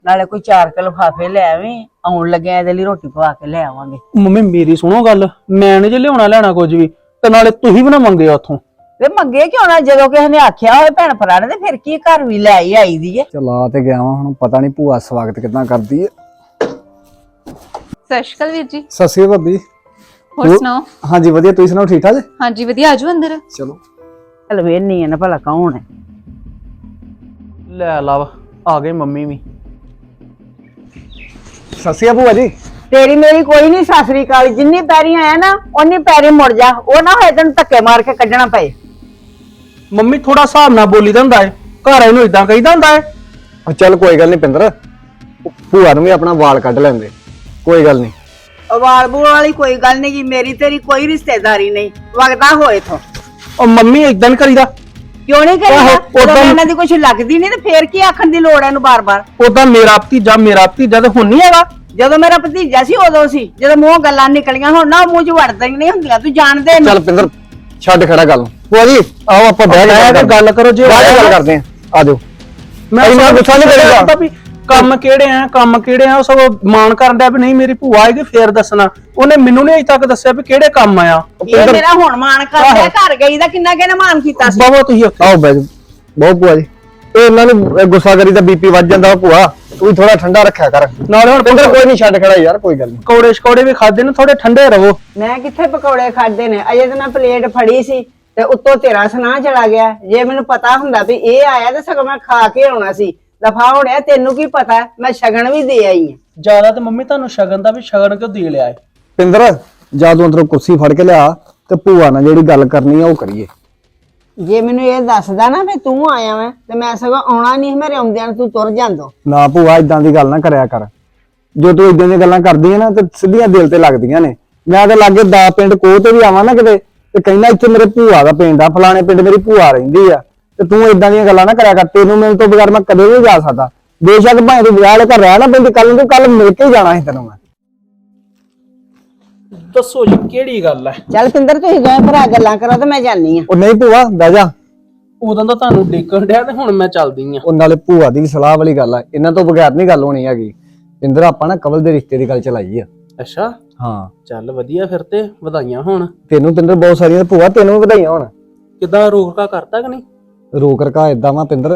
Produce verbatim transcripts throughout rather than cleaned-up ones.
ਨਾਲੇ ਕੋਈ ਚਾਰ ਕਿਲੋ ਲਿਫਾਫੇ ਲੈ ਆਵੀਂ, ਆਉਣ ਲੱਗਿਆ ਇਹਦੇ ਲਈ ਰੋਟੀ ਪਵਾ ਕੇ ਲੈ ਆਵਾਂਗੇ। ਮੰਮੀ ਮੇਰੀ ਸੁਣੋ ਗੱਲ, ਮੈਂ ਨੀ ਜੇ ਲਿਆਉਣਾ ਲੈਣਾ ਕੁਝ ਵੀ, ਤੇ ਨਾਲੇ ਤੁਸੀਂ ਵੀ ਨਾ ਮੰਗਿਓ ਉੱਥੋਂ। ਵੇ ਮੰਗੇ ਕਿਉਂ ਨਾ, ਜਦੋਂ ਕਿਸੇ ਨੇ ਆਖਿਆ ਹੋਵੇ ਭੈਣ ਭਰਾ ਨੇ ਤੇ ਫਿਰ ਕੀ ਘਰ ਵੀ ਲੈ ਹੀ ਆਈ ਦੀ ਏ। ਚਲਾ ਤੇ ਗਿਆ ਵਾਂ, ਹੁਣ ਪਤਾ ਨਹੀਂ ਭੂਆ ਸਵਾਗਤ ਕਿਦਾਂ ਕਰਦੀ ਏ। ਸਤਿ ਸ਼੍ਰੀ ਅਕਾਲ ਵੀਰ ਜੀ। ਸਤਿ ਸ਼੍ਰੀ ਅਕਾਲ ਭਾਬੀ। ਹੋਰ ਸੁਣਾਓ? ਹਾਂਜੀ ਵਧੀਆ, ਤੁਸੀਂ ਸੁਣਾਓ ਠੀਕ ਠਾਕ ਜੀ? ਹਾਂਜੀ ਵਧੀਆ, ਆਜੋ ਅੰਦਰ। ਚਲੋ ਚਲ ਵੇਹਨੀ ਆ ਨਾ ਭਲਾ ਕੌਣ ਹੈ। ਲੈ ਲਵ ਆ ਗਏ ਮੰਮੀ ਵੀ। ਸਤਿ ਸ਼੍ਰੀ ਅਕਾਲ ਭੂਆ ਜੀ। ਤੇਰੀ ਮੇਰੀ ਕੋਈ ਨਹੀਂ ਸਾਸਰੀ ਕਾਲ, ਜਿੰਨੀ ਪੈਰੀ ਆਇਆ ਨਾ ਓਨੀ ਪੈਰੀ ਮੁੜ ਜਾ, ਉਹ ਨਾ ਹੋਏ ਤੈਨੂੰ ਧੱਕੇ ਮਾਰ ਕੇ ਕੱਢਣਾ ਪਏ। ਮੰਮੀ ਥੋੜਾ ਹਿਸਾਬ ਨਾਲ ਬੋਲੀ ਦਾ ਹੁੰਦਾ ਹੈ, ਘਰ ਇਹਨੂੰ ਇਦਾਂ ਕਹੀਦਾ ਹੁੰਦਾ ਹੈ। ਉਹ ਚੱਲ ਕੋਈ ਗੱਲ ਨਹੀਂ ਪਿੰਦਰ, ਭੂਆ ਨੂੰ ਵੀ ਆਪਣਾ ਵਾਲ ਕੱਢ ਲੈਂਦੇ, ਕੋਈ ਗੱਲ ਨਹੀਂ। ਵਾਲ ਬੂਲ ਵਾਲੀ ਕੋਈ ਗੱਲ ਨਹੀਂ ਗੀ, ਮੇਰੀ ਤੇਰੀ ਕੋਈ ਰਿਸ਼ਤੇਦਾਰੀ ਨਹੀਂ, ਵਗਦਾ ਹੋਏ ਤੋਂ। ਉਹ ਮੰਮੀ ਇਦਾਂ ਨੀ ਕਰੀਦਾ। ਕਿਉਂ ਨਹੀਂ ਆਹੋ, ਕਰੀਦਾ? ਉਦੋਂ- ਇਹਨਾਂ ਦੀ ਕੁਛ ਲੱਗਦੀ ਨਹੀਂ ਤੇ ਫੇਰ ਕੀ ਆਖਣ ਦੀ ਲੋੜ ਹੈ ਇਹਨੂੰ ਬਾਰ-ਬਾਰ। ਉਦਾਂ ਮੇਰਾ ਭਤੀਜਾ ਮੇਰਾ ਭਤੀਜਾ ਤੇ ਹੁਣ ਨਹੀਂ ਹੈਗਾ। ਜਦੋਂ ਮੇਰਾ ਭਤੀਜਾ ਸੀ ਉਦੋਂ ਸੀ, ਜਦੋਂ ਮੂੰਹ ਗੱਲਾਂ ਨਿਕਲੀਆਂ, ਹੁਣ ਨਾ ਮੂੰਹ ਚ ਵੜਦਾ ਹੀ ਨਹੀਂ ਹੁੰਦੀਆਂ, ਤੂੰ ਜਾਣਦੇ ਚੱਲ ਪਿੰਦਰ ਛੱਡ ਖੜਾ ਗੱਲ ਨੂੰ। ਭੂਆ ਜੀ ਆਓ ਆਪਾਂ ਬਹਿ ਬਹਿ ਕੇ ਗੱਲ ਕਰੋ, ਜੇ ਬਾਅਦ ਚ ਗੱਲ ਕਰਦੇ ਆਂ, ਆ ਜਾਓ। ਮੈਂ ਇੰਨਾ ਗੁੱਸਾ ਨੀ ਕਰੀਦਾ। ਵੀ ਕੰਮ ਕਿਹੜੇ ਆ ਕੰਮ ਕਿਹੜੇ ਆ, ਉਹ ਸਭ ਮਾਣ ਕਰਨ ਡਿਆ ਵੀ ਨਹੀਂ ਮੇਰੀ ਭੂਆ ਆਏਗੀ ਫੇਰ ਦੱਸਣਾ। ਉਹਨੇ ਮੈਨੂੰ ਨਹੀਂ ਅਜੇ ਤੱਕ ਦੱਸਿਆ ਵੀ ਕਿਹੜੇ ਕੰਮ ਆਇਆ। ਇਹ ਮੇਰਾ ਹੁਣ ਮਾਣ ਕਰਦਾ, ਘਰ ਗਈ ਦਾ ਕਿੰਨਾ ਕਿਹਨੇ ਮਾਣ ਕੀਤਾ ਸੀ। ਬਹੁਤ ਤੁਸੀਂ ਉੱਥੇ ਆਓ ਬਹਿ ਜਾਓ। ਬਹੁਤ ਭੂਆ ਜੀ, ਇਹ ਇਹਨਾਂ ਨੂੰ ਇਹ ਗੁੱਸਾ ਕਰੀ ਤਾਂ ਬੀਪੀ ਵੱਧ ਜਾਂਦਾ। ਭੂਆ ਤੂੰ ਵੀ ਥੋੜਾ ਠੰਡਾ ਰੱਖਿਆ ਕਰ। ਨਾਲੇ ਹੁਣ ਪਿੰਦਰ ਕੋਈ ਨਹੀਂ, ਛੱਡ ਖੜਾ ਯਾਰ, ਕੋਈ ਗੱਲ ਨਹੀਂ। ਪਕੌੜੇ ਸ਼ਕੌੜੇ ਵੀ ਖਾਦੇ ਨੇ, ਥੋੜੇ ਠੰਡੇ ਰਹੋ। ਮੈਂ ਕਿੱਥੇ ਪਕੌੜੇ ਖਾਦੇ ਨੇ, ਅਜੇ ਤਾਂ ਮੈਂ ਪਲੇਟ ਫੜੀ ਸੀ ਤੇ ਉੱਤੋਂ ਤੇਰਾ ਸੁਨਾਹ ਚਲਾ ਗਿਆ। ਜੇ ਮੈਨੂੰ ਪਤਾ ਹੁੰਦਾ ਵੀ ਇਹ ਆਇਆ ਤੇ ਸਗੋਂ ਮੈਂ ਖਾ ਕੇ ਆਉਣਾ ਸੀ। ਦਫਾ ਹੋਣਿਆ, ਤੈਨੂੰ ਕੀ ਪਤਾ, ਮੈਂ ਸ਼ਗਨ ਵੀ ਦੇ ਆਈ ਆ। ਜਿਆਦਾ ਤੇ ਮੰਮੀ ਤੁਹਾਨੂੰ ਸ਼ਗਨ ਦਾ ਵੀ ਸ਼ਗਨ ਕਿਉਂ ਦੇ ਲਿਆ ਏ। ਪਿੰਦਰ ਜਦੋਂ ਅੰਦਰੋਂ ਕੁਰਸੀ ਫੜ ਕੇ ਲਿਆ ਤੇ ਭੂਆ ਨਾਲ ਜਿਹੜੀ ਗੱਲ ਕਰਨੀ ਆ ਉਹ ਕਰੀਏ। ਜੇ ਮੈਨੂੰ ਇਹ ਦੱਸਦਾ ਨਾ ਵੀ ਤੂੰ ਆਇਆ ਵਾ ਤੇ ਮੈਂ ਸਗੋਂ ਆਉਣਾ ਨਹੀਂ, ਮੇਰੇ ਆਉਂਦਿਆਂ ਨੂੰ ਤੂੰ ਤੁਰ ਜਾਂਦਾ। ਨਾ ਭੂਆ ਇਦਾਂ ਦੀ ਗੱਲ ਨਾ ਕਰਿਆ ਕਰ, ਜੋ ਤੂੰ ਇਦਾਂ ਦੀਆਂ ਗੱਲਾਂ ਕਰਦੀ ਹੈ ਨਾ ਤੇ ਸਿੱਧੀਆਂ ਦਿਲ ਤੇ ਲੱਗਦੀਆਂ ਨੇ। ਮੈਂ ਤਾਂ ਲਾਗੇ ਦਾ ਪਿੰਡ ਕੋਹ ਤੇ ਵੀ ਆਵਾਂ ਨਾ ਕਿਤੇ ਤੇ ਕਹਿੰਦਾ ਇੱਥੇ ਮੇਰੇ ਭੂਆ ਦਾ ਪਿੰਡ ਆ, ਫਲਾਣੇ ਪਿੰਡ ਮੇਰੀ ਭੂਆ ਰਹਿੰਦੀ ਆ, ਤੇ ਤੂੰ ਇਦਾਂ ਦੀਆਂ ਗੱਲਾਂ ਨਾ ਕਰਿਆ ਕਰ। ਤੈਨੂੰ ਮੇਰੇ ਤੋਂ ਬਗੈਰ ਮੈਂ ਕਦੇ ਨਹੀਂ ਜਾ ਸਕਦਾ। ਬੇਸ਼ੱਕ ਭਾਵੇਂ ਤੂੰ ਵਿਆਹ ਵਾਲੇ ਘਰ ਰਹਿ ਨਾ ਪੈਂਦੀ, ਕੱਲ ਨੂੰ ਤੂੰ ਕੱਲ ਮਿਲ ਕੇ ਜਾਣਾ ਸੀ ਤੈਨੂੰ ਮੈਂ। ਦੱਸੋ ਜੀ ਕਿਹੜੀ ਗੱਲ ਹੈ। ਚੱਲ ਪਿੰਦਰ ਤੁਸੀਂ ਦੋਵੇਂ ਭਰਾ ਗੱਲਾਂ ਕਰੋ ਤੇ ਮੈਂ ਜਾਨੀ ਆ। ਉਹ ਨਹੀਂ ਭੂਆ ਬਹਿ ਜਾ। ਉਦੋਂ ਤਾਂ ਤੁਹਾਨੂੰ ਡੇਕਣ ਡਿਆ ਤੇ ਹੁਣ ਮੈਂ ਚੱਲਦੀ ਆ। ਉਹ ਨਾਲੇ ਭੂਆ ਦੀ ਵੀ ਸਲਾਹ ਵਾਲੀ ਗੱਲ ਆ, ਇਹਨਾਂ ਤੋਂ ਬਗੈਰ ਨਹੀਂ ਗੱਲ ਹੋਣੀ ਹੈਗੀ। ਪਿੰਦਰ ਆਪਾਂ ਨਾ ਕਵਲ ਦੇ ਰਿਸ਼ਤੇ ਦੀ ਗੱਲ ਚਲਾਈ ਆ। ਅੱਛਾ ਹਾਂ ਚੱਲ ਵਧੀਆ, ਫਿਰ ਤੇ ਵਧਾਈਆਂ ਹੋਣ। ਤੈਨੂੰ ਪਿੰਦਰ ਬਹੁਤ ਸਾਰੀਆਂ, ਭੂਆ ਤੈਨੂੰ ਵੀ ਵਧਾਈਆਂ ਹੋਣ। ਕਿੱਦਾਂ ਰੋਕਾ ਕਰਤਾ ਕਿ ਨਹੀਂ? ਰੋਕ ਰਕਾ ਏਦਾਂ ਵਾ ਪਿੰਦਰ,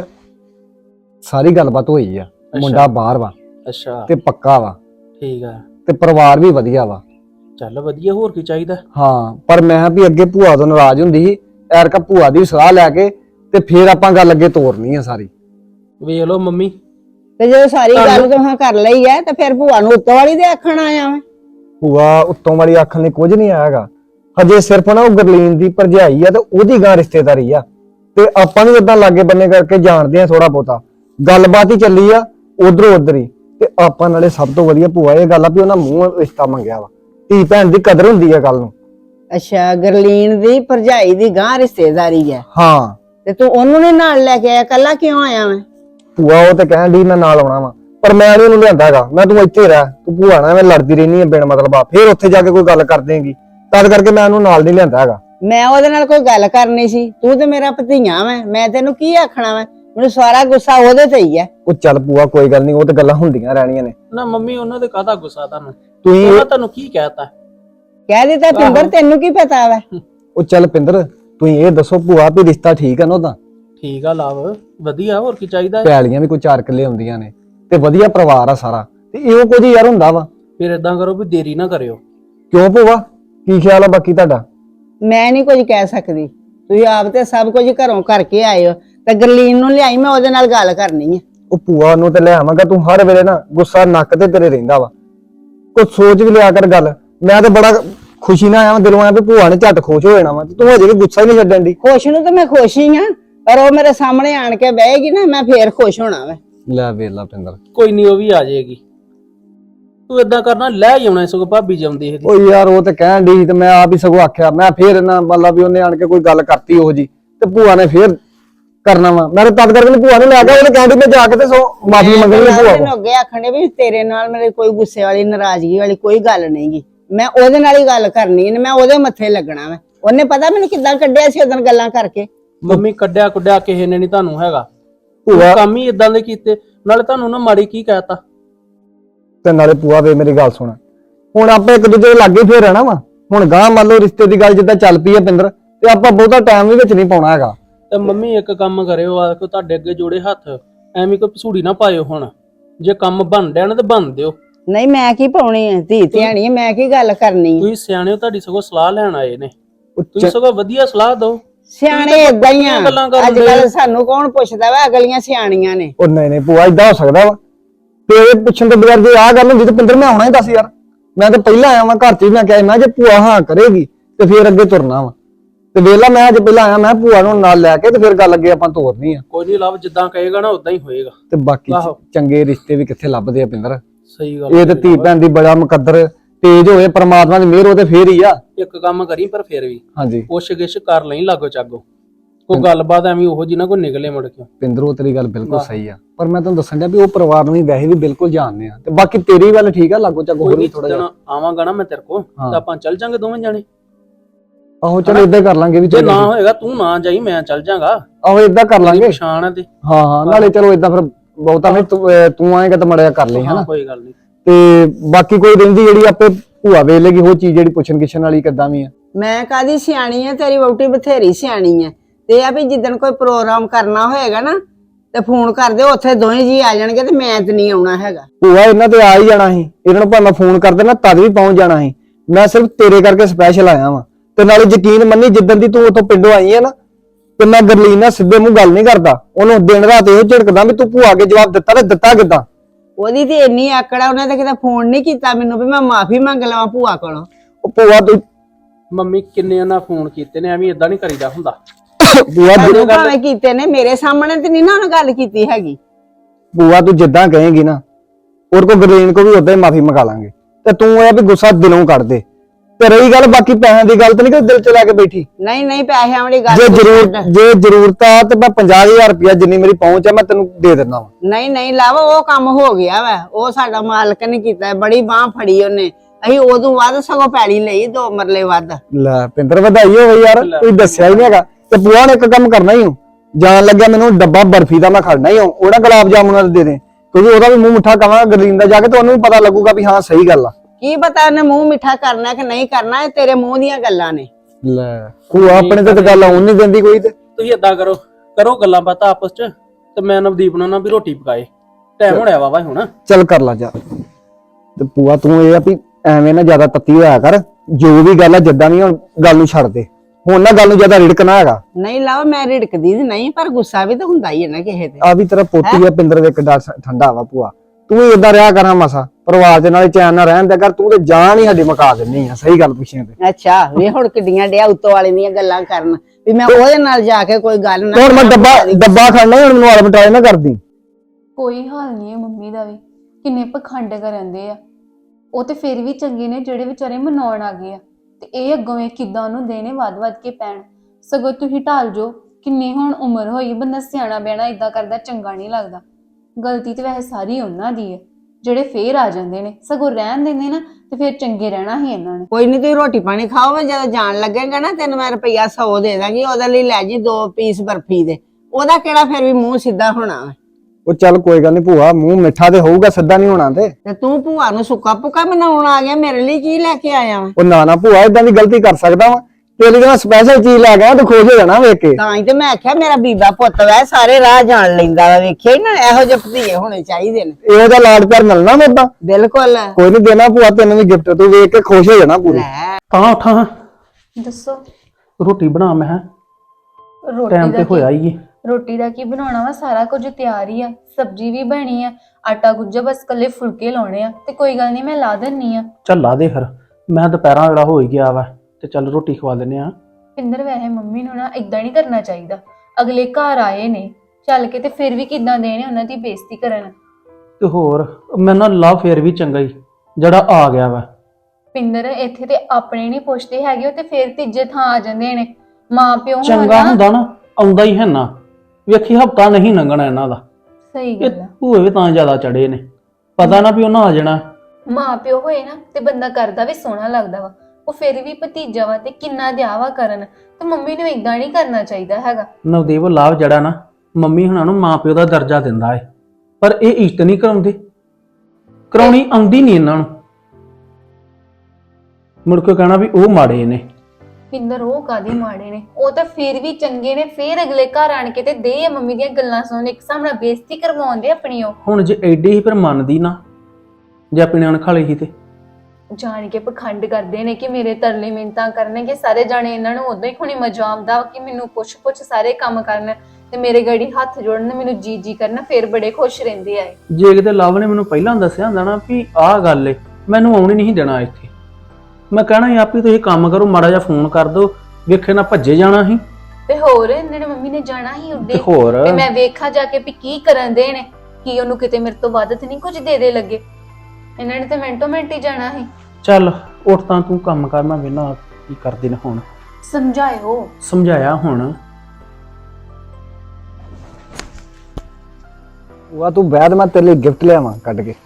ਸਾਰੀ ਗੱਲਬਾਤ ਹੋਈ ਆ। ਮੁੰਡਾ ਬਾਹਰ ਵਾ ਅੱਛਾ ਤੇ ਪੱਕਾ ਵਾ ਠੀਕ ਆ। ਤੇ ਪਰਿਵਾਰ ਵੀ ਵਧੀਆ ਵਾ। ਚੱਲ ਵਧੀਆ, ਹੋਰ ਕੀ ਚਾਹੀਦਾ। ਹਾਂ ਪਰ ਮੈਂ ਵੀ ਅੱਗੇ ਭੂਆ ਤੋਂ ਨਾਰਾਜ਼ ਹੁੰਦੀ ਸੀ, ਐਰਕਾ ਭੂਆ ਦੀ ਸਲਾਹ ਲੈ ਕੇ ਤੇ ਫੇਰ ਆਪਾਂ ਗੱਲ ਅੱਗੇ ਤੋਰਨੀ ਆ ਸਾਰੀ। ਵੇਖ ਲਓ ਮੰਮੀ, ਤੇ ਜਦੋਂ ਸਾਰੀ ਗੱਲ ਤੁਹਾਂ ਕਰ ਲਈ ਐ ਤੇ ਫਿਰ ਭੂਆ ਨੂੰ ਉੱਤੋਂ ਵਾਲੀ ਦੇ ਆਖਣ ਆਇਆ ਵਾ। ਭੂਆ ਉੱਤੋਂ ਵਾਲੀ ਆਖਣ ਲਈ ਕੁਝ ਨਹੀਂ ਆਇਆਗਾ, ਹਜੇ ਸਿਰਫ ਨਾ ਉਹ ਗਰਲੀਨ ਦੀ ਭਰਜਾਈ ਆ ਤੇ ਉਹਦੀ ਗਾਂ ਰਿਸ਼ਤੇਦਾਰੀ ਆ, ਤੇ ਆਪਾਂ ਵੀ ਏਦਾਂ ਲਾਗੇ ਬੰਨੇ ਕਰਕੇ ਜਾਣਦੇ ਆ ਥੋੜਾ ਬਹੁਤਾ। ਗੱਲਬਾਤ ਹੀ ਚੱਲੀ ਆ ਉਧਰੋਂ ਉਧਰ ਹੀ, ਤੇ ਆਪਾਂ ਨਾਲੇ ਸਭ ਤੋਂ ਵਧੀਆ ਭੂਆ ਇਹ ਗੱਲ ਆ ਵੀ ਉਹਨਾਂ ਮੂੰਹ ਰਿਸ਼ਤਾ ਮੰਗਿਆ ਵਾ। ਧੀ ਭੈਣ ਦੀ ਕਦਰ ਹੁੰਦੀ ਆ ਕੱਲ ਨੂੰ। ਅੱਛਾ, ਗਰਲੀਨ ਦੀ ਭਰਜਾਈ ਦੀ ਗਾਂ ਰਿਸ਼ਤੇਦਾਰੀ ਐ ਹਾਂ ਤੇ ਤੂੰ ਉਹਨੂੰ ਨੀ ਨਾਲ ਲੈ ਕੇ ਆਇਆ, ਕੱਲਾ ਕਿਉਂ ਆਇਆ ਵਾ? ਭੂਆ ਉਹ ਤੇ ਕਹਿਣ ਦੀ ਮੈਂ ਨਾਲ ਆਉਣਾ ਵਾ, ਪਰ ਮੈਂ ਨੀ ਉਹਨੂੰ ਲਿਆਂਦਾ ਹੈਗਾ। ਮੈਂ ਤੂੰ ਇੱਥੇ ਰਹਿ, ਤੂੰ ਭੂਆ ਨਾਲ ਮੈਂ ਲੜਦੀ ਰਹਿਨੀ ਆ ਬਿਨ ਮਤਲਬ ਆ, ਫੇਰ ਉੱਥੇ ਜਾ ਕੇ ਕੋਈ ਗੱਲ ਕਰ ਦੇਂਗੀ, ਤਦ ਕਰਕੇ ਮੈਂ ਉਹਨੂੰ ਨਾਲ ਨਹੀਂ ਲਿਆਂਦਾ ਹੈਗਾ। ਮੈਂ ਉਹਦੇ ਨਾਲ ਕੋਈ ਗੱਲ ਕਰਨੀ ਸੀ, ਤੂੰ ਤੇ ਮੇਰਾ ਭਤੀਆ ਵਾ, ਮੈਂ ਤੈਨੂੰ ਕੀ ਆਖਣਾ ਵਾ? ਮੈਨੂੰ ਸਾਰਾ ਗੁੱਸਾ ਉਹਦੇ ਤੇ ਹੀ ਐ। ਉਹ ਚੱਲ ਭੂਆ ਕੋਈ ਗੱਲ ਨਹੀਂ, ਉਹ ਤੇ ਗੱਲਾਂ ਹੁੰਦੀਆਂ ਰਹਿਣੀਆਂ ਨੇ। ਨਾ ਮੰਮੀ ਉਹਨਾਂ ਦੇ ਕਾਹਦਾ ਗੁੱਸਾ ਤੁਹਾਨੂੰ? ਤੁਸੀਂ ਉਹਨਾਂ ਤੁਹਾਨੂੰ ਕੀ ਕਹਿਤਾ? ਕਹਿ ਦਿੱਤਾ ਪਿੰਦਰ, ਤੈਨੂੰ ਕੀ ਪਤਾ ਵਾ? ਉਹ ਚੱਲ ਪਿੰਦਰ ਤੁਸੀਂ ਇਹ ਦੱਸੋ ਭੂਆ ਵੀ ਰਿਸ਼ਤਾ ਠੀਕ ਆ ਨਾ ਉਹਦਾ? ਠੀਕ ਆ ਲਵ, ਵਧੀਆ, ਹੋਰ ਕੀ ਚਾਹੀਦਾ। ਪੈਲੀਆਂ ਵੀ ਕੋਈ ਚਾਰ ਕਿੱਲੇ ਆਉਂਦੀਆਂ ਨੇ ਤੇ ਵਧੀਆ ਪਰਿਵਾਰ ਆ ਸਾਰਾ, ਤੇ ਇਹੋ ਕੁਝ ਯਾਰ ਹੁੰਦਾ ਵਾ। ਫਿਰ ਏਦਾਂ ਕਰੋ ਵੀ ਦੇਰੀ ਨਾ ਕਰਿਓ। ਕਿਉਂ ਭੂਆ, ਕੀ ਖਿਆਲ ਆ ਬਾਕੀ ਤੁਹਾਡਾ? ਮੈਂ ਨਹੀਂ ਕੁਝ ਕਹਿ ਸਕਦੀ, ਤੁਸੀਂ ਆਪ ਤੇ ਸਭ ਕੁਝ ਘਰੋਂ ਕਰਕੇ ਆਏ ਹੋ, ਤੇ ਗਰਲੀਨ ਨੂੰ ਲਿਆਈ, ਮੈਂ ਉਹਦੇ ਨਾਲ ਗੱਲ ਕਰਨੀ ਹੈ। ਉਹ ਭੂਆ ਨੂੰ ਤੇ ਲੈ ਆਵਾਂਗਾ, ਤੂੰ ਹਰ ਵੇਲੇ ਨਾ ਗੁੱਸਾ ਨੱਕ ਤੇ ਤੇਰੇ ਰਹਿੰਦਾ ਵਾ। ਕੁਝ ਸੋਚ ਵੀ ਲਿਆ ਕਰ ਗੱਲ। ਮੈਂ ਤੇ ਬੜਾ ਖੁਸ਼ੀ ਨਾਲ ਆਇਆ ਦਿਲੋਂ, ਆਇਆ ਵੀ ਭੂਆ ਨੇ ਝੱਟ ਖੁਸ਼ ਹੋ ਜਾਣਾ ਵਾ, ਤੂੰ ਹਜੇ ਵੀ ਗੁੱਸਾ ਹੀ ਨਹੀਂ ਛੱਡਣ ਦੀ। ਖੁਸ਼ ਨੂੰ ਤਾਂ ਮੈਂ ਖੁਸ਼ ਹੀ ਆ, ਪਰ ਉਹ ਮੇਰੇ ਸਾਹਮਣੇ ਆਣ ਕੇ ਬਹਿਗੀ ਨਾ, ਮੈਂ ਫੇਰ ਖੁਸ਼ ਹੋਣਾ ਵਾ। ਲੈ ਵੇਲਾ ਪਿੰਦਰ, ਕੋਈ ਨਹੀਂ, ਉਹ ਵੀ ਆ ਜਾਏਗੀ। ਤੂੰ ਏਦਾਂ ਕਰਨਾ, ਲੈ ਹੀ ਆਉਣਾ, ਸਗੋਂ ਭਾਬੀ ਜਾਂਦੀ ਇਹਦੀ। ਉਹ ਯਾਰ ਉਹ ਤੇ ਕਹਿਣ ਦੀ ਤੇ ਮੈਂ ਆਪ ਹੀ ਸਗੋਂ ਆਖਿਆ, ਮੈਂ ਫੇਰ ਨਾ ਮਤਲਬ ਵੀ ਉਹਨੇ ਆਣ ਕੇ ਕੋਈ ਗੱਲ ਕਰਤੀ ਉਹ ਜੀ, ਤੇ ਭੂਆ ਨੇ ਫੇਰ ਕਰਨਾ ਵਾ। ਮੈਂ ਤਦ ਕਰਕੇ ਭੂਆ ਨੇ ਲੈ ਕੇ ਉਹਨੇ ਕਹਿੰਦੀ ਮੈਂ ਜਾ ਕੇ ਤੇ ਸੋ ਮਾਫੀ ਮੰਗਣੀ ਭੂਆ ਕੋਲ। ਅੱਗੇ ਆਖਣੇ ਵੀ ਤੇਰੇ ਨਾਲ ਮੇਰੇ ਕੋਈ ਗੁੱਸੇ ਵਾਲੀ ਨਾਰਾਜ਼ਗੀ ਵਾਲੀ ਕੋਈ ਗੱਲ ਨਹੀਂਗੀ, ਮੈਂ ਉਹਦੇ ਨਾਲ ਹੀ ਗੱਲ ਕਰਨੀ ਹੈ, ਮੈਂ ਉਹਦੇ ਮੱਥੇ ਲੱਗਣਾ ਵਾ। ਉਹਨੇ ਪਤਾ ਮੈਨੂੰ ਕਿੱਦਾਂ ਕੱਢਿਆ ਸੀ ਉਦੋਂ ਗੱਲਾਂ ਕਰਕੇ। ਮੰਮੀ ਕੱਢਿਆ ਕੁੱਢਿਆ ਕਿਸੇ ਨੇ ਨਹੀਂ ਤੁਹਾਨੂੰ ਹੈਗਾ, ਭੂਆ ਕੰਮ ਹੀ ਇਦਾਂ ਦੇ ਕੀਤੇ। ਨਾਲੇ ਤੁਹਾਨੂੰ ਨਾ ਮਾੜੀ ਕੀ ਕਹਿਤਾ? ਤੇ ਨਾਲੇ ਭੂਆ ਵੇ ਮੇਰੀ ਗੱਲ ਸੁਣ, ਹੁਣ ਆਪਾਂ ਇੱਕ ਦੂਜੇ ਦੇ ਲਾਗੇ ਫੇਰ ਰਹਿਣਾ ਵਾ। ਹੁਣ ਗਾਂ ਮੰਨ ਲਓ ਰਿਸ਼ਤੇ ਦੀ ਗੱਲ ਜਿੱਦਾਂ ਚੱਲ ਪਈ ਆ ਪਿੰਦਰ, ਤੇ ਆਪਾਂ ਬਹੁਤਾ ਟਾਈਮ ਵੀ ਵਿੱਚ ਨਹੀਂ ਪਾਉਣਾ ਹੈਗਾ। ਤੇ ਮੰਮੀ ਇੱਕ ਕੰਮ ਕਰਿਓ, ਆ ਕੋ ਤੁਹਾਡੇ ਅੱਗੇ ਜੋੜੇ ਹੱਥ, ਐਵੇਂ ਕੋਈ ਪਸੂੜੀ ਨਾ ਪਾਇਓ। ਹੁਣ ਜੇ ਕੰਮ ਬਣ ਡਿਆ ਨਾ ਤੇ ਬਣ ਦਿਓ। ਨਹੀਂ ਮੈਂ ਕੀ ਪਾਉਣੀ ਹੈ, ਧੀ ਧਿਆਣੀ ਹੈ, ਮੈਂ ਕੀ ਗੱਲ ਕਰਨੀ ਹੈ। ਤੁਸੀਂ ਸਿਆਣੇ ਹੋ, ਤੁਹਾਡੀ ਸਗੋਂ ਸਲਾਹ ਲੈਣ ਆਏ ਨੇ। ਤੁਸੀਂ ਸਗੋਂ ਵਧੀਆ ਸਲਾਹ ਦਿਓ। ਸਿਆਣੇ ਏਦਾਂ ਹੀ ਆ, ਗੱਲਾਂ ਕਰਨ ਅੱਜ ਕੱਲ ਸਾਨੂੰ ਕੌਣ ਪੁੱਛਦਾ ਵਾ, ਅਗਲੀਆਂ ਸਿਆਣੀਆਂ ਨੇ। ਉਹ ਨਹੀਂ ਨਹੀਂ ਭੂਆ ਇਦਾਂ ਹੋ ਸਕਦਾ ਵਾ, ਤੇ ਇਹ ਪੁੱਛਣ ਤੋਂ ਬਗੈਰ ਜੇ ਆਹ ਗੱਲ ਹੁੰਦੀ ਤੇ ਪਿੰਦਰ ਮੈਂ ਆਉਣਾ ਹੀ ਦੱਸ ਯਾਰ। ਮੈਂ ਤਾਂ ਪਹਿਲਾਂ ਆਇਆ ਵਾਂ ਘਰ ਚ, ਮੈਂ ਕਿਹਾ ਮੈਂ ਜੇ ਭੂਆ ਹਾਂ ਕਰੇਗੀ ਤੇ ਫੇਰ ਅੱਗੇ ਤੁਰਨਾ ਵਾ। ਤੇ ਵੇਲਾ ਮੈਂ ਅੱਜ ਪਹਿਲਾਂ ਆਇਆ, ਮੈਂ ਭੂਆ ਨੂੰ ਨਾਲ ਲੈ ਕੇ ਤੇ ਫਿਰ ਗੱਲ ਅੱਗੇ ਆਪਾਂ ਤੋਰਨੀ ਆ। ਕੋਈ ਨਹੀਂ ਲਵ, ਜਿੱਦਾਂ ਕਹੇਗਾ ਨਾ ਉਦਾਂ ਹੀ ਹੋਏਗਾ। ਤੇ ਬਾਕੀ ਚੰਗੇ ਰਿਸ਼ਤੇ ਵੀ ਕਿੱਥੇ ਲੱਭਦੇ ਆ ਪਿੰਦਰ। ਸਹੀ ਗੱਲ। ਇਹ ਤੇ ਧੀ ਭੈਣ ਦੀ ਬੜਾ ਮੁਕੱਦਰ ਤੇਜ ਹੋਏ ਪਰਮਾਤਮਾ ਦੀ ਮਿਹਰ, ਉਹ ਤੇ ਫੇਰ ਹੀ ਆ। ਇੱਕ ਕੰਮ ਕਰੀ ਪਰ ਫੇਰ ਵੀ ਹਾਂਜੀ ਪੁੱਛ ਗਿੱਛ ਕਰ ਲਈ ਲਾਗੋ ਚਾਗੋ, ਕੋਈ ਗੱਲਬਾਤ ਐਵੇਂ ਉਹੋ ਜੀ ਨਾ ਕੋਈ ਨਿਕਲੇ ਮੁੜ ਕੇ। ਪਿੰਦਰ ਉਹ ਤੇਰੀ ਗੱਲ ਬਿਲਕੁਲ ਸਹੀ ਆ, ਪਰ ਮੈਂ ਤੁਹਾਨੂੰ ਦੱਸਣ ਡਿਆ ਵੀ ਉਹ ਪਰਿਵਾਰ ਨੂੰ ਵੀ ਵੈਸੇ ਵੀ ਬਿਲਕੁਲ ਜਾਣਦੇ ਆ। ਤੇ ਬਾਕੀ ਤੇਰੀ ਗੱਲ ਠੀਕ ਆ, ਲਾਗੋ ਚਾਗੋ ਹੋਰ ਵੀ ਥੋੜਾ ਜਿਹਾ ਆਵਾਂਗਾ ਨਾ ਮੈਂ ਤੇਰੇ ਕੋਲ, ਤਾਂ ਆਪਾਂ ਚੱਲ ਜਾਂਗੇ ਦੋਵੇਂ ਜਾਣੇ। ਆਹੋ ਚਲੋ ਏਦਾਂ ਕਰ ਲਾਂਗੇ ਵੀ। ਜੇ ਨਾ ਹੋਏਗਾ ਤੂੰ ਨਾ ਜਾਈ, ਮੈਂ ਚੱਲ ਜਾਗਾ। ਆਹੋ ਏਦਾਂ ਕਰ ਲਾਂਗੇ, ਪਛਾਣ ਹੈ ਤੇ। ਹਾਂ ਹਾਂ ਨਾਲੇ ਚਲੋ ਏਦਾਂ ਫਿਰ ਬਹੁਤਾ ਨਹੀਂ, ਤੂੰ ਅਹ ਤੂੰ ਆਏਗਾ ਤਾਂ ਮੜਿਆ ਕਰ ਲਈ ਹਨਾ। ਕੋਈ ਗੱਲ ਨਹੀਂ। ਤੇ ਬਾਕੀ ਕੋਈ ਰਹਿੰਦੀ ਜਿਹੜੀ ਆਪੇ ਭੂਆ ਵੇਖ ਲੇਗੀ ਉਹ ਚੀਜ਼ ਜਿਹੜੀ ਪੁੱਛਣ ਕਿਛਣ ਵਾਲੀ ਕਿੱਦਾਂ ਵੀ ਆ। ਮੈਂ ਕਾਦੀ ਸਿਆਣੀ ਆ, ਤੇਰੀ ਵਹੁਟੀ ਬਥੇਰੀ ਸਿਆਣੀ ਆ। ਤੇ ਆ ਵੀ ਜਿੱਦਣ ਕੋਈ ਪ੍ਰੋਗਰਾਮ ਕਰਨਾ ਹੋਏਗਾ ਨਾ ਤੇ ਫੋਨ ਕਰ ਦਿਓ, ਉੱਥੇ ਦੋਵੇਂ ਜੀ ਆ ਜਾਣਗੇ ਤੇ ਮੈਂ ਤੇ ਨਹੀਂ ਆਉਣਾ ਹੈਗਾ। ਭੂਆ ਇਹਨਾਂ ਤੇ ਆ ਹੀ ਜਾਣਾ ਸੀ, ਇਹਨਾਂ ਨੂੰ ਭਾਵੇਂ ਫੋਨ ਕਰਦੇ ਨਾ ਤਦ ਵੀ ਪਹੁੰਚ ਜਾਣਾ ਸੀ। ਮੈਂ ਸਿਰਫ ਤੇਰੇ ਕਰਕੇ ਸਪੈਸ਼ਲ ਆਇਆ ਵਾਂ। ਤੇ ਨਾਲੇ ਯਕੀਨ ਮੰਨੀ, ਜਿੱਦਣ ਦੀ ਤੂੰ ਉਥੋਂ ਪਿੰਡੋਂ ਆਈ ਹੈ ਨਾ, ਤੇ ਮੈਂ ਗਰਲੀਨ ਨਾਲ ਸਿੱਧੇ ਮੂੰਹ ਗੱਲ ਨਹੀਂ ਕਰਦਾ। ਉਹਨੂੰ ਦਿਨ ਰਾਤ ਇਹੋ ਝਿੜਕਦਾ ਵੀ ਤੂੰ ਭੂਆ ਕੇ ਜਵਾਬ ਦਿੱਤਾ ਤੇ ਦਿੱਤਾ ਕਿੱਦਾਂ। ਉਹਦੀ ਤੇ ਇੰਨੀ ਆਕੜ ਆ, ਉਹਨੇ ਤਾਂ ਕਿਤੇ ਫੋਨ ਨਹੀਂ ਕੀਤਾ ਮੈਨੂੰ ਵੀ ਮੈਂ ਮਾਫੀ ਮੰਗ ਲਵਾਂ ਭੂਆ ਕੋਲੋਂ। ਉਹ ਭੂਆ ਤੂੰ ਮੰਮੀ ਕਿੰਨੇ ਉਹਨਾਂ ਫੋਨ ਕੀਤੇ ਨੇ, ਐਵੇਂ ਇਦਾਂ ਨਹੀਂ ਕਰੀਦਾ ਹੁੰਦਾ। ਭੂਆ ਤੈਨੂੰ ਭਾਵੇਂ ਕੀਤੇ ਨੇ, ਮੇਰੇ ਸਾਹਮਣੇ ਤੇ ਨਹੀਂ ਨਾ ਉਹਨੇ ਗੱਲ ਕੀਤੀ ਹੈਗੀ। ਭੂਆ ਤੂੰ ਜਿੱਦਾਂ ਕਹੇਂਗੀ ਨਾ, ਔਰ ਕੋ ਗਰਲੀਨ ਕੋ ਵੀ ਉਦਾਂ ਹੀ ਮਾਫੀ ਮੰਗਾ ਲਾਂਗੇ। ਤੇ ਤੂੰ ਇਹ ਵੀ ਗੁੱਸਾ ਦਿਲੋਂ ਕੱਢ ਦੇ। ਤੇ ਰਹੀ ਗੱਲ ਬਾਕੀ ਪੈਸਿਆਂ ਦੀ ਗੱਲ ਤੇ ਨਹੀਂ ਕਿ ਦਿਲ ਚ ਲੈ ਕੇ ਬੈਠੀ। ਨਹੀਂ ਨਹੀਂ ਪੈਸਿਆਂ ਵਾਲੀ ਗੱਲ ਜੇ ਜ਼ਰੂਰ ਜੇ ਜ਼ਰੂਰਤ ਆ ਤੇ ਮੈਂ ਪੰਜਾਹ ਹਜ਼ਾਰ ਰੁਪਇਆ ਜਿੰਨੀ ਮੇਰੀ ਪਹੁੰਚ ਆ ਮੈਂ ਤੈਨੂੰ ਦੇ ਦਿੰਦਾ ਵਾ। ਨਹੀਂ ਨਹੀਂ ਲਾਵਾ, ਉਹ ਕੰਮ ਹੋ ਗਿਆ ਵਾ, ਉਹ ਸਾਡਾ ਮਾਲਕ ਨੇ ਕੀਤਾ, ਬੜੀ ਬਾਹ ਫੜੀ ਉਹਨੇ। ਅਸੀਂ ਉਦੋਂ ਵੱਧ ਸਗੋਂ ਪੈਲੀ ਲਈ, ਦੋ ਮਰਲੇ ਵੱਧ। ਲੈ ਪਿੰਦਰ ਵਧਾਈ ਹੋਵੇ ਯਾਰ, ਕੋਈ ਦੱਸਿਆ ਹੀ ਨਹੀਂ ਹੈਗਾ। ਤੇ ਭੂਆ ਨੇ ਇੱਕ ਕੰਮ ਕਰਨਾ ਹੀ ਹੋ, ਜਾਣ ਲੱਗਿਆ ਮੈਨੂੰ ਡੱਬਾ ਬਰਫੀ ਦਾ ਮੈਂ ਖੜਨਾ ਹੀ ਹਾਂ, ਉਹਦਾ ਗੁਲਾਬ ਜਾਮੁਨਾਂ ਦੇ ਦੇ ਦੇ, ਕਿਉਂਕਿ ਉਹਦਾ ਵੀ ਮੂੰਹ ਮਿੱਠਾ ਕਵਾਂਗਾ ਗਰਲੀਨ ਦਾ ਜਾ ਕੇ, ਤੇ ਉਹਨੂੰ ਵੀ ਪਤਾ ਲੱਗੂਗਾ ਵੀ ਹਾਂ ਸਹੀ ਗੱਲ ਆ। ਕੀ ਪਤਾ ਉਹਨੇ ਮੂੰਹ ਮਿੱਠਾ ਕਰਨਾ ਕਿ ਨਹੀਂ ਕਰਨਾ, ਇਹ ਤੇਰੇ ਮੂੰਹ ਦੀਆਂ ਗੱਲਾਂ ਨੇ। ਲੈ ਭੂਆ ਆਪਣੇ ਤੇ ਗੱਲ ਆਉਣ ਨਹੀਂ ਦਿੰਦੀ ਕੋਈ। ਤੇ ਤੁਸੀਂ ਏਦਾਂ ਕਰੋ ਕਰੋ ਗੱਲਾਂ ਬਾਤਾਂ ਆਪਸ ਚ, ਤੇ ਮੈਂ ਨਵਦੀਪ ਨੂੰ ਨਾ ਵੀ ਰੋਟੀ ਪਕਾਏ, ਟਾਈਮ ਹੋਣਿਆ ਵਾ ਵਾ ਹੁਣ। ਚੱਲ ਕਰ ਲਾ ਜਾ। ਤੇ ਭੂਆ ਤੂੰ ਇਹ ਆ ਵੀ ਐਵੇਂ ਨਾ ਜ਼ਿਆਦਾ ਤੱਤੀ ਹੋਇਆ ਕਰ, ਜੋ ਵੀ ਗੱਲ ਆ ਜਿੱਦਾਂ ਵੀ ਹੁਣ ਗੱਲ ਨੂੰ ਛੱਡ ਦੇ, ਹੁਣ ਨਾ ਗੱਲ ਨੂੰ ਜ਼ਿਆਦਾ ਰਿੜਕਣਾ ਹੈਗਾ। ਨਹੀਂ ਲਾਵਾ, ਮੈਂ ਰਿੜਕਦੀ ਨਹੀਂ, ਪਰ ਗੁੱਸਾ ਵੀ ਤਾਂ ਹੁੰਦਾ ਹੀ ਹੈ ਨਾ ਕਿਸੇ ਤੇ। ਆ ਵੀ ਤੇਰਾ ਪੋਤੀ ਆ ਪਿੰਦਰ ਦੇ ਕਿੱਡਾ ਠੰਡਾ ਵਾ ਭੂਆ, ਤੂੰ ਵੀ ਏਦਾਂ ਰਿਹਾ ਕਰਾਂ ਮਸਾ ਪਰਿਵਾਰ ਦੇ ਨਾਲ ਚੈਨ ਨਾਲ ਰਹਿਣ ਦੇ ਕਰ। ਤੂੰ ਤੇ ਜਾਨ ਹੀ ਸਾਡੀ ਮੁਕਾ ਦਿੰਨੀ ਆ, ਸਹੀ ਗੱਲ ਪੁੱਛੇ ਤੇ। ਅੱਛਾ ਵੀ ਹੁਣ ਕਿੱਡੀਆਂ ਡਿਆ ਉੱਤੋਂ ਵਾਲੇ ਦੀਆਂ ਗੱਲਾਂ ਕਰਨ ਵੀ ਮੈਂ ਉਹਦੇ ਨਾਲ ਜਾ ਕੇ ਕੋਈ ਗੱਲ ਨਾ। ਹੁਣ ਮੈਂ ਡੱਬਾ ਡੱਬਾ ਖਾਣਾ, ਹੁਣ ਮੈਨੂੰ ਆਲ ਮਟਾਏ ਨਾ ਕਰਦੀ। ਕੋਈ ਹਾਲ ਨਹੀਂ ਹੈ ਮੰਮੀ ਦਾ ਵੀ, ਕਿੰਨੇ ਪਖੰਡ ਕਰੰਦੇ ਆ। ਉਹ ਤੇ ਫਿਰ ਵੀ ਚੰਗੇ ਨੇ ਜਿਹੜੇ ਵਿਚਾਰੇ ਮਨਾਉਣ ਆ ਗਏ ਆ, ਤੇ ਇਹ ਅੱਗੋਂ ਵੇਖ ਕਿੱਦਾਂ ਉਹਨੂੰ ਦੇਣੇ ਵੱਧ ਵੱਧ ਕੇ ਪੈਣ। ਸਗੋਂ ਤੁਸੀਂ ਢਾਲ ਜੋ, ਕਿੰਨੀ ਹੁਣ ਉਮਰ ਹੋਈ, ਬੰਦਾ ਸਿਆਣਾ ਬਿਆਣਾ ਇਦਾਂ ਕਰਦਾ ਚੰਗਾ ਨਹੀਂ ਲੱਗਦਾ। ਗਲਤੀ ਤੇ ਵੈਸੇ ਸਾਰੀ ਉਹਨਾਂ ਦੀ ਹੈ, ਜਿਹੜੇ ਫੇਰ ਆ ਜਾਂਦੇ ਨੇ। ਸਗੋਂ ਰਹਿਣ ਦਿੰਦੇ ਨਾ ਤੇ ਫਿਰ ਚੰਗੇ ਰਹਿਣਾ ਹੀ ਇਹਨਾਂ ਨੇ। ਕੋਈ ਨਹੀਂ, ਤੁਸੀਂ ਰੋਟੀ ਪਾਣੀ ਖਾਓ, ਮੈਂ ਜਦੋਂ ਜਾਣ ਲੱਗੇਗਾ ਨਾ ਤੈਨੂੰ ਮੈਂ ਰੁਪਈਆ ਸੌ ਦੇ ਦਾਂਗੀ, ਉਹਦੇ ਲਈ ਲੈ ਜੀ ਦੋ ਪੀਸ ਬਰਫੀ ਦੇ। ਉਹਦਾ ਕਿਹੜਾ ਫਿਰ ਵੀ ਮੂੰਹ ਸਿੱਧਾ ਹੋਣਾ ਵਾ। ਉਹ ਚੱਲ ਕੋਈ ਗੱਲ ਨਹੀਂ ਭੂਆ, ਮੂੰਹ ਮਿੱਠਾ ਤੇ ਹੋਊਗਾ, ਸਿੱਧਾ ਨਹੀਂ ਹੋਣਾ। ਤੇ ਤੇ ਤੂੰ ਭੂਆ ਨੂੰ ਸੁੱਕਾ ਪੁੱਕਾ ਬਣਾਉਣ ਆ ਗਿਆ, ਮੇਰੇ ਲਈ ਕੀ ਲੈ ਕੇ ਆਇਆ ਵਾ? ਉਹ ਨਾ ਨਾ ਭੂਆ ਏਦਾਂ ਦੀ ਗਲਤੀ ਕਰ ਸਕਦਾ ਵਾ, ਤੇਰੇ ਲਈ ਮੈਂ ਸਪੈਸ਼ਲ ਚੀਜ਼ ਲੈ ਗਿਆ, ਤੂੰ ਖੁਸ਼ ਹੋ ਜਾਣਾ ਵੇਖ ਕੇ। ਤਾਂ ਹੀ ਤੇ ਮੈਂ ਆਖਿਆ ਮੇਰਾ ਬੀਬਾ ਪੁੱਤ ਵੈ ਸਾਰੇ ਰਾਹ ਜਾਣ ਲੈਂਦਾ ਵਾ, ਵੇਖਿਆ ਹੀ ਨਾ, ਇਹੋ ਜਿਹੇ ਭਤੀਏ ਹੋਣੇ ਚਾਹੀਦੇ ਨੇ। ਇਹੋ ਜਿਹਾ ਲਾਡ ਪਿਆਰ ਮਿਲਣਾ ਮੈਨੂੰ। ਬਿਲਕੁਲ। ਕੋਈ ਨਹੀਂ ਦੇਣਾ ਭੂਆ ਤੈਨੂੰ ਵੀ ਗਿਫਟ, ਤੂੰ ਵੇਖ ਕੇ ਖੁਸ਼ ਹੋ ਜਾਣਾ ਪੂਰੀ। ਲੈ ਤਾਂ ਉਠਾਂ ਦੱਸੋ ਰੋਟੀ ਬਣਾ, ਮੈਂ ਰੋਟੀ ਟਾਈਮ ਦਾ ਤੇ ਕੀ ਹੋਇਆ ਹੀ। ਰੋਟੀ ਦਾ ਕੀ ਬਣਾਉਣਾ ਵਾ, ਸਾਰਾ ਕੁਝ ਤਿਆਰ ਹੀ ਆ, ਸਬਜ਼ੀ ਵੀ ਬਣੀ ਆ, ਆਟਾ ਗੁੱਜਾ, ਬਸ ਕੱਲੇ ਫੁਲਕੇ ਲਾਉਣੇ ਆ। ਤੇ ਕੋਈ ਗੱਲ ਨਹੀਂ ਮੈਂ ਲਾ ਦਿੰਨੀ ਆ। ਚੱਲ ਲਾ ਦੇ ਫਿਰ, ਮੈਂ ਦੁਪਹਿਰਾਂ ਜਿਹੜਾ ਹੋ ਹੀ ਗਿਆ ਵਾ, ਤੇ ਚੱਲ ਰੋਟੀ ਖਵਾ ਦਿੰਨੇ ਆ। ਪਿੰਦਰ ਵੈਸੇ ਮੰਮੀ ਨੂੰ ਨਾ ਇਦਾਂ ਨਹੀਂ ਕਰਨਾ ਚਾਹੀਦਾ, ਅਗਲੇ ਘਰ ਆਏ ਨੇ ਚੱਲ ਕੇ ਤੇ ਫਿਰ ਵੀ ਕਿੱਦਾਂ ਦੇਣੇ ਉਹਨਾਂ ਦੀ ਬੇਇੱਜ਼ਤੀ ਕਰਨ। ਤੇ ਹੋਰ ਮੈਂ ਨਾ ਲਾ ਫੇਰ ਵੀ ਚੰਗਾ ਹੀ ਜਿਹੜਾ ਆ ਗਿਆ ਵਾ। ਪਿੰਦਰ ਇੱਥੇ ਤੇ ਆਪਣੇ ਨਹੀਂ ਪੁੱਛਦੇ ਹੈਗੇ, ਉਹ ਤੇ ਫਿਰ ਤੀਜੇ ਥਾਂ ਆ ਜਾਂਦੇ ਨੇ। ਮਾਂ ਪਿਓ ਚੰਗਾ ਹੁੰਦਾ ਨਾ ਆਉਂਦਾ ਹੀ ਹੈ ਨਾ, ਵੇਖੀ ਹਫਤਾ ਨਹੀਂ ਲੰਘਣਾ ਇਹਨਾਂ ਦਾ। ਸਹੀ ਗੱਲ ਆ। ਭੂਏ ਵੀ ਤਾਂ ਜ਼ਿਆਦਾ ਚੜੇ ਨੇ, ਪਤਾ ਨਾ ਵੀ ਉਹਨਾਂ ਆ ਜਾਣਾ। ਮਾਂ ਪਿਓ ਹੋਏ ਨਾ ਤੇ ਬੰਦਾ ਕਰਦਾ ਵੀ ਸੋਹਣਾ ਲੱਗਦਾ ਵਾ, ਉਹ ਫਿਰ ਵੀ ਭਤੀਜਾ ਵਾ ਤੇ ਕਿੰਨਾ ਦਿਆਵਾ ਕਰਨ। ਤੇ ਮੰਮੀ ਨੂੰ ਇਦਾਂ ਨਹੀਂ ਕਰਨਾ ਚਾਹੀਦਾ ਹੈਗਾ। ਨਵਦੀਪ ਲਾਭ ਜੜਾ ਨਾ ਮੰਮੀ ਹੁਣਾਂ ਨੂੰ ਮਾਂ ਪਿਓ ਦਾ ਦਰਜਾ ਦਿੰਦਾ ਏ, ਪਰ ਇਹ ਇੱਜ਼ਤ ਨਹੀਂ ਕਰਾਉਂਦੇ, ਕਰਾਉਣੀ ਆਉਂਦੀ ਨਹੀਂ ਇਹਨਾਂ ਨੂੰ। ਮੁੜ ਕੇ ਕਹਿਣਾ ਵੀ ਉਹ ਮਾੜੇ ਨੇ। ਪਿੰਦਰ ਉਹ ਕਾਦੀ ਮਾੜੇ ਨੇ, ਉਹ ਤਾਂ ਫੇਰ ਵੀ ਚੰਗੇ ਨੇ। ਫੇਰ ਅਗਲੇ ਘਰ ਆਣ ਕੇ ਤੇ ਦੇ ਮੰਮੀ ਦੀਆਂ ਗੱਲਾਂ ਸੁਣ, ਇੱਕ ਸਾਹਮਣੇ ਬੇਇੱਜ਼ਤੀ ਕਰਵਾਉਂਦੇ ਆਪਣੀ। ਉਹ ਹੁਣ ਜੇ ਐਡੇ ਹੀ ਫਿਰ ਮੰਨਦੀ ਨਾ, ਜੇ ਆਪਣੇ ਅਣ ਖਾਲੇ ਹੀ ਤੇ ਜਾਣ ਕੇ ਪਖੰਡ ਕਰਦੇ ਨੇ ਕਿ ਮੇਰੇ ਤਰਲੇ ਮਿੰਤਾਂ ਕਰਨਗੇ ਸਾਰੇ ਜਾਣੇ। ਇਹਨਾਂ ਨੂੰ ਉਦੋਂ ਹੀ ਹੁਣੀ ਮਜ਼ਾ ਆਉਂਦਾ ਕਿ ਮੈਨੂੰ ਪੁੱਛ ਪੁੱਛ ਸਾਰੇ ਕੰਮ ਕਰਨ ਤੇ ਮੇਰੇ ਗੜੀ ਹੱਥ ਜੋੜਨ, ਮੈਨੂੰ ਜੀ ਜੀ ਕਰਨਾ, ਫੇਰ ਬੜੇ ਖੁਸ਼ ਰਹਿੰਦੇ ਆ। ਜੇ ਕਿਤੇ ਲਵ ਨੇ ਮੈਨੂੰ ਪਹਿਲਾਂ ਦੱਸਿਆ ਹੁੰਦਾ ਨਾ ਵੀ ਆਹ ਗੱਲ ਏ, ਮੈਨੂੰ ਆਉਣੀ ਨਹੀਂ ਦੇਣਾ ਇੱਥੇ। ਮੈਂ ਕਹਿਣਾ ਸੀ ਆਪੀ ਤੁਸੀਂ ਕੰਮ ਕਰੋ, ਮਾੜਾ ਜਿਹਾ ਫੋਨ ਕਰ ਦਿਓ, ਵੇਖੇ ਨਾ ਭੱਜੇ ਜਾਣਾ ਸੀ। ਤੇ ਹੋਰ ਇਹਨਾਂ ਨੇ ਮੰਮੀ ਨੇ ਜਾਣਾ ਹੀ ਉੱਡੇ ਤੇ ਹੋਰ ਤੇ ਮੈਂ ਵੇਖਾਂ ਜਾ ਕੇ ਵੀ ਕੀ ਕਰਨ ਦੇ ਨੇ, ਕੀ ਉਹਨੂੰ ਕਿਤੇ ਮੇਰੇ ਤੋਂ ਵੱਧ ਤੇ ਨਹੀਂ ਕੁਝ ਦੇ ਦੇ ਲੱਗੇ। ਇਹਨਾਂ ਨੇ ਤੇ ਮਿੰਟੋ ਮਿੰਟ ਹੀ ਜਾਣਾ ਸੀ। ਚੱਲ ਉੱਠ ਤਾਂ ਤੂੰ ਕੰਮ ਕਰ, ਮੈਂ ਵੇਖਣਾ ਕੀ ਕਰਦੇ ਨੇ। ਹੁਣ ਸਮਝਾਇਓ। ਸਮਝਾਇਆ ਹੁਣ। ਉਹ ਤੂੰ ਬੈਠ, ਮੈਂ ਤੇਰੇ ਲਈ ਗਿਫਟ ਲਿਆਵਾਂ ਕੱਢ ਕੇ।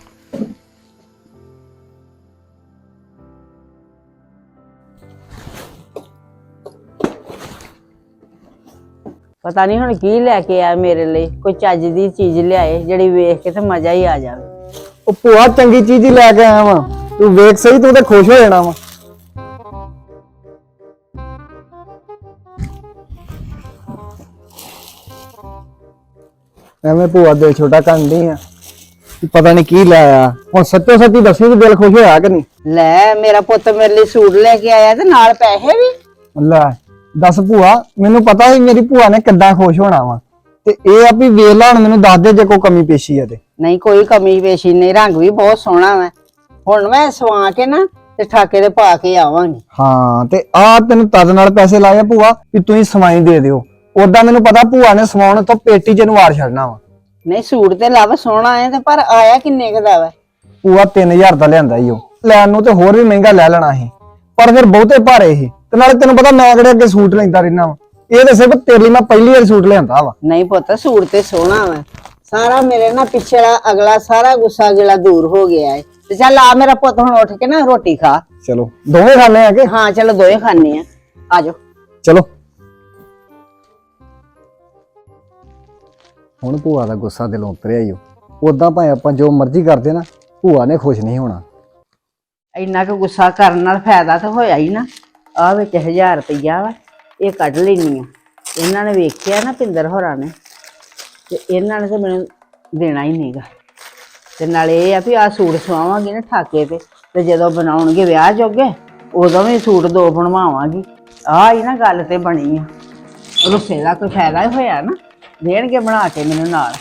ਪਤਾ ਨਹੀਂ ਹੁਣ ਕੀ ਲੈ ਕੇ ਆਇਆ ਮੇਰੇ ਲਈ, ਕੋਈ ਚੱਜ ਦੀ ਚੀਜ਼ ਲਿਆਏ ਜਿਹੜੀ ਵੇਖ ਕੇ ਤੇ ਮਜ਼ਾ ਹੀ ਆ ਜਾਵੇ। ਉਹ ਭੂਆ ਚੰਗੀ ਚੀਜ਼ ਹੀ ਲੈ ਕੇ ਆਇਆ ਵਾਂ, ਤੂੰ ਵੇਖ ਸਹੀ, ਤੂੰ ਤੇ ਖੁਸ਼ ਹੋ ਜਾਣਾ ਵਾ। ਐਵੇਂ ਭੂਆ ਦਿਲ ਛੋਟਾ ਕਰਦੀ ਆ, ਪਤਾ ਨਹੀਂ ਕੀ ਲੈ ਆਇਆ। ਹੁਣ ਸੱਚੋ ਸੱਚੀ ਦੱਸੀ ਵੀ ਦਿਲ ਖੁਸ਼ ਹੋਇਆ ਕਿ ਨਹੀਂ? ਲੈ ਮੇਰਾ ਪੁੱਤ ਮੇਰੇ ਲਈ ਸੂਟ ਲੈ ਕੇ ਆਇਆ ਤੇ ਨਾਲ ਪੈਸੇ ਵੀ। ਲੈ ਦੱਸ ਭੂਆ, ਮੈਨੂੰ ਪਤਾ ਸੀ ਮੇਰੀ ਭੂਆ ਨੇ ਕਿੱਦਾਂ ਖੁਸ਼ ਹੋਣਾ ਵਾ, ਤੇ ਇਹ ਆ ਵੀ ਵੇਖ ਲਾ ਹੁਣ ਮੈਨੂੰ ਦੱਸ ਦੇ ਜੇ ਕੋਈ ਕਮੀ ਪੇਸ਼ੀ ਆ ਤੇ। ਨਹੀਂ ਕੋਈ ਕਮੀ ਪੇਸ਼ੀ ਨਹੀਂ, ਰੰਗ ਵੀ ਬਹੁਤ ਸੋਹਣਾ ਵਾ। ਹੁਣ ਮੈਂ ਸਵਾ ਕੇ ਨਾ ਤੇ ਠਾਕੇ ਦੇ ਪਾ ਕੇ ਆਵਾਂਗੀ। ਹਾਂ ਤੇ ਆ ਤੈਨੂੰ ਤਦ ਨਾਲ ਪੈਸੇ ਲਾਏ ਆ ਭੂਆ ਵੀ ਤੁਸੀਂ ਸਵਾਈ ਦੇ ਦਿਓ। ਉਦਾਂ ਮੈਨੂੰ ਪਤਾ ਭੂਆ ਨੇ ਸਵਾਉਣ ਤੋਂ ਪੇਟੀ ਚ ਨੂੰ ਵਾਰ ਛੱਡਣਾ ਵਾ। ਨਹੀਂ ਸੂਟ ਤੇ ਲੱਭ ਸੋਹਣਾ ਹੈ ਤੇ ਪਰ ਆਇਆ ਕਿੰਨੇ ਕੁ ਦਾ ਵਾ? ਭੂਆ ਤਿੰਨ ਹਜ਼ਾਰ ਦਾ ਲਿਆਂਦਾ ਈ ਉਹ, ਲੈਣ ਨੂੰ ਤੇ ਹੋਰ ਵੀ ਮਹਿੰਗਾ ਲੈ ਲੈਣਾ ਸੀ, ਪਰ ਫਿਰ ਬਹੁਤੇ ਭਾਰੇ ਸੀ। ਤੇ ਨਾਲੇ ਤੈਨੂੰ ਪਤਾ ਮੈਂ ਕਿਹੜੇ ਅੱਗੇ ਸੂਟ ਲੈਂਦਾ ਰਹਿਣਾ ਵਾ, ਇਹ ਤਾਂ ਸਿਰਫ ਤੇਰੇ ਲਈ ਮੈਂ ਪਹਿਲੀ ਵਾਰ ਸੂਟ ਲਿਆਂਦਾ ਵਾ। ਨਹੀਂ ਪੁੱਤ ਸੂਟ ਤੇ ਸੋਹਣਾ ਵਾ, ਸਾਰਾ ਮੇਰੇ ਨਾ ਪਿਛਲਾ ਅਗਲਾ ਸਾਰਾ ਗੁੱਸਾ ਗਿਲਾ ਦੂਰ ਹੋ ਗਿਆ ਹੈ। ਤੇ ਚੱਲ ਆ ਮੇਰਾ ਪੁੱਤ ਹੁਣ ਉੱਠ ਕੇ ਨਾ ਰੋਟੀ ਖਾ। ਚਲੋ ਦੋਵੇਂ ਖਾਣੇ ਆ ਕਿ? ਹਾਂ ਚਲੋ ਦੋਏ ਖਾਣੇ ਆ, ਆਜੋ। ਚਲੋ ਹੁਣ ਭੂਆ ਦਾ ਗੁੱਸਾ ਦਿਲੋਂ ਉਤਰਿਆ ਈ। ਉਦਾਂ ਭਾਵੇਂ ਆਪਾਂ ਜੋ ਮਰਜ਼ੀ ਕਰਦੇ ਨਾ, ਭੂਆ ਨੇ ਖੁਸ਼ ਨਹੀਂ ਹੋਣਾ। ਇੰਨਾ ਕੁ ਗੁੱਸਾ ਕਰਨ ਨਾਲ ਫਾਇਦਾ ਤਾਂ ਹੋਇਆ ਹੀ ਨਾ। ਆਹ ਵਿੱਚ ਹਜ਼ਾਰ ਰੁਪਈਆ ਵਾ, ਇਹ ਕੱਢ ਲੈਣੀ ਆ। ਇਹਨਾਂ ਨੇ ਵੇਖਿਆ ਨਾ ਪਿੰਦਰ ਹੋਰਾਂ ਨੇ, ਤੇ ਇਹਨਾਂ ਨੇ ਤਾਂ ਮੈਨੂੰ ਦੇਣਾ ਹੀ ਨਹੀਂਗਾ। ਤੇ ਨਾਲੇ ਇਹ ਆ ਵੀ ਆਹ ਸੂਟ ਸਵਾਵਾਂਗੀ ਨਾ ਠਾਕੇ ਤੇ, ਤੇ ਜਦੋਂ ਬਣਾਉਣਗੇ ਵਿਆਹ ਜੋਗੇ ਉਦੋਂ ਵੀ ਸੂਟ ਦੋ ਬਣਵਾਵਾਂਗੀ। ਆਹ ਹੀ ਨਾ ਗੱਲ ਤੇ ਬਣੀ ਆ। ਰੁੱਸੇ ਦਾ ਕੋਈ ਫਾਇਦਾ ਹੀ ਹੋਇਆ ਨਾ, ਦੇਣਗੇ ਬਣਾ ਕੇ ਮੈਨੂੰ ਨਾਲ।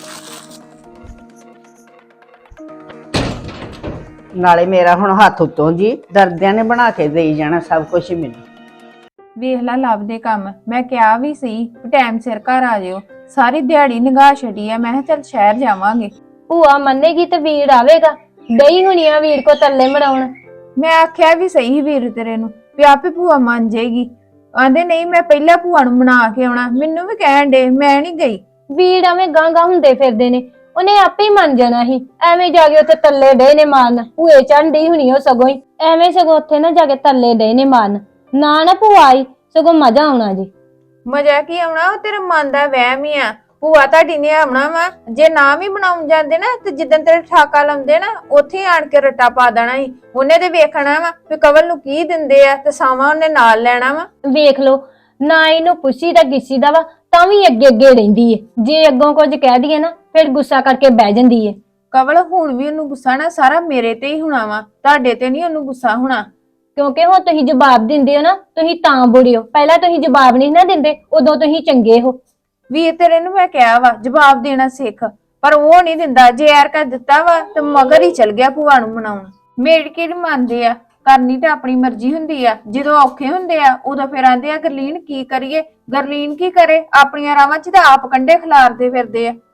ਨਾਲੇ ਮੇਰਾ ਹੁਣ ਹੱਥ ਉੱਤੋਂ ਜੀ ਦਰਦਿਆਂ ਨੇ ਬਣਾ ਕੇ ਦੇਈ ਜਾਣਾ ਸਭ ਕੁਝ ਮੈਨੂੰ। ਵੇਖ ਲਾ ਲੱਭ ਦੇ ਕੰਮ, ਮੈਂ ਕਿਹਾ ਵੀ ਸੀ ਟਾਈਮ ਸਿਰ ਘਰ ਆ ਜਿਓ। ਸਾਰੀ ਦਿਹਾੜੀ ਨਿਗਾਹ ਛੱਡੀ ਆ, ਮੈਂ ਕਿਹਾ ਚੱਲ ਸ਼ਹਿਰ ਜਾਵਾਂਗੇ। ਭੂਆ ਮੰਨੇਗੀ ਤੇ ਵੀਰ ਆਵੇਗਾ, ਡਈ ਹੋਣੀ ਆ ਵੀਰ ਕੋ ਤੱਲੇ ਮਰਾਉਣ। ਮੈਂ ਆਖਿਆ ਵੀ ਸਹੀ ਵੀਰ ਤੇਰੇ ਨੂੰ ਵੀ ਆਪੇ ਭੂਆ ਮੰਨ ਜਾਏਗੀ। ਆਂਦੇ ਨਹੀਂ ਮੈਂ ਪਹਿਲਾਂ ਭੂਆ ਨੂੰ ਬਣਾ ਕੇ ਆਉਣਾ, ਮੈਨੂੰ ਵੀ ਕਹਿਣ ਡੇ, ਮੈਂ ਨਹੀਂ ਗਈ। ਵੀਰ ਐਵੇਂ ਗਾਂ ਗਾਂ ਹੁੰਦੇ ਫਿਰਦੇ ਨੇ, ਉਹਨੇ ਆਪੇ ਹੀ ਮੰਨ ਜਾਣਾ ਸੀ। ਐਵੇਂ ਜਾ ਕੇ ਉੱਥੇ ਤੱਲੇ ਡੇ ਨੇ ਮਾਰਨ, ਭੂਏ ਚੜ੍ਹਨ ਡਈ ਹੋਣੀ ਉਹ ਸਗੋਂ ਹੀ। ਐਵੇਂ ਸਗੋਂ ਉੱਥੇ ਨਾ ਜਾ ਕੇ ਤੱਲੇ ਡੇ ਨੇ ਮਾਰਨ, ਨਾ ਨਾ ਭੂਆ ਆਈ ਸਗੋਂ ਮਜ਼ਾ ਆਉਣਾ ਜੀ। ਮਜ਼ਾ ਕੀ ਆਉਣਾ, ਉਹ ਤੇਰੇ ਮਨ ਦਾ ਵਹਿਮ ਹੀ ਆ। ਭੂਆ ਤੁਹਾਡੀ ਨੇ ਆਉਣਾ ਵਾ, ਜੇ ਨਾ ਵੀ ਬਣਾਉਣ ਜਾਂਦੇ ਨਾ ਤੇ ਜਿੱਦਣ ਤੇਰੇ ਠਾਕਾ ਲਾਉਂਦੇ ਨਾ ਉੱਥੇ ਆਣ ਕੇ ਰੱਟਾ ਪਾ ਦੇਣਾ ਸੀ। ਉਹਨੇ ਤੇ ਵੇਖਣਾ ਵਾ ਵੀ ਕਵਲ ਨੂੰ ਕੀ ਦਿੰਦੇ ਆ ਤੇ ਸਾਵਾਂ ਉਹਨੇ ਨਾਲ ਲੈਣਾ ਵਾ। ਵੇਖ ਲੋ ਨਾ ਇਹਨੂੰ ਪੁੱਛੀ ਦਾ ਗਿੱਸੀ ਦਾ ਵਾ ਤਾਂ ਵੀ ਅੱਗੇ ਅੱਗੇ ਰਹਿੰਦੀ ਏ। ਜੇ ਅੱਗੋਂ ਕੁਝ ਕਹਿ ਦਈਏ ਨਾ ਫਿਰ ਗੁੱਸਾ ਕਰਕੇ ਬਹਿ ਜਾਂਦੀ ਏ। ਕਵਲ ਹੁਣ ਵੀ ਉਹਨੂੰ ਗੁੱਸਾ ਨਾ ਸਾਰਾ ਮੇਰੇ ਤੇ ਹੀ ਹੋਣਾ ਵਾ, ਤੁਹਾਡੇ ਤੇ ਨਹੀਂ ਉਹਨੂੰ ਗੁੱਸਾ ਹੋਣਾ। ਕਿਉਂਕਿ ਹੁਣ ਤੁਸੀਂ ਜਵਾਬ ਦਿੰਦੇ ਹੋ ਨਾ, ਤੁਸੀਂ ਤਾਂ ਬੁਰੇ ਹੋ। ਪਹਿਲਾਂ ਤੁਸੀਂ ਜਵਾਬ ਨਹੀਂ ਨਾ ਦਿੰਦੇ, ਉਦੋਂ ਤੁਸੀਂ ਚੰਗੇ ਹੋ। ਵੀਰ ਤੇਰੇ ਨੂੰ ਮੈਂ ਕਿਹਾ ਵਾ ਜਵਾਬ ਦੇਣਾ ਸਿੱਖ, ਪਰ ਉਹ ਨਹੀਂ ਦਿੰਦਾ। ਜੇ ਯਾਰ ਕਰ ਦਿੱਤਾ ਵਾ ਤੇ ਮਗਰ ਹੀ ਚਲ ਗਿਆ ਭੂਆ ਨੂੰ ਮਨਾਉਣ। ਮੇੜ ਕੇ ਨਹੀਂ ਮੰਨਦੇ ਆ, ਕਰਨੀ ਤਾਂ ਆਪਣੀ ਮਰਜ਼ੀ ਹੁੰਦੀ ਆ। ਜਦੋਂ ਔਖੇ ਹੁੰਦੇ ਆ ਉਦੋਂ ਫਿਰ ਆਂਦੇ ਆ ਗਰਲੀਨ ਕੀ ਕਰੀਏ। ਗਰਲੀਨ ਕੀ ਕਰੇ, ਆਪਣੀਆਂ ਰਾਵਾਂ 'ਚ ਤਾਂ ਆਪ ਕੰਡੇ ਖਿਲਾਰਦੇ ਫਿਰਦੇ ਆ।